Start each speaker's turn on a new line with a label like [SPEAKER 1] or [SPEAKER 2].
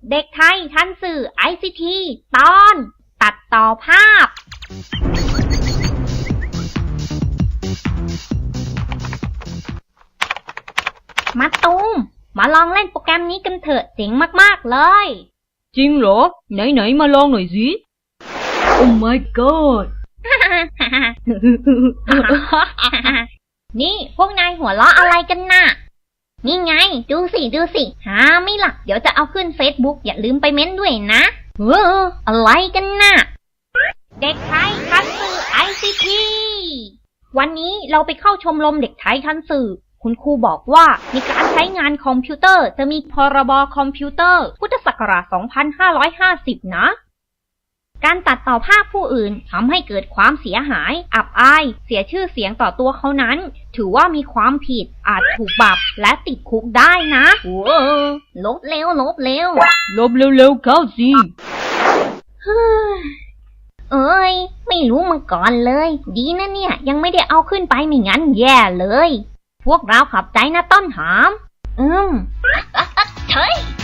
[SPEAKER 1] เด็กไทยทันสื่อ ICT ตอน ตัดต่อภาพมาตูมมาลองเล่นโปรแกรมนี้กันเถอะเจ๋งมากๆเลย
[SPEAKER 2] จริงเหรอไหนมาลองหน่อยสิ Oh my god
[SPEAKER 1] นี่พวกนายหัวเราะอะไรกันน่ะนี่ไงดูสิหาไม่ล่ะเดี๋ยวจะเอาขึ้น Facebook อย่าลืมไปเม้นด้วยนะอะไรกันน่ะเด็กไทยทันสื่อ ICT วันนี้เราไปเข้าชมรมเด็กไทยทันสื่อคุณครูบอกว่าในการใช้งานคอมพิวเตอร์จะมีพรบคอมพิวเตอร์พุทธศักราช 2550 นะการตัดต่อภาพผู้อื่นทำให้เกิดความเสียหายอับอายเสียชื่อเสียงต่อตัวเขานั้นถือว่ามีความผิดอาจถูกปรับและติดคุกได้นะลบเร็ว
[SPEAKER 2] ลบเร็วเข้าสิ
[SPEAKER 1] เอ้ยไม่รู้มาก่อนเลยดีนะเนี่ยยังไม่ได้เอาขึ้นไปไม่งั้นแย่เลยพวกเราขับใจนะต้นหอมเฮ้ย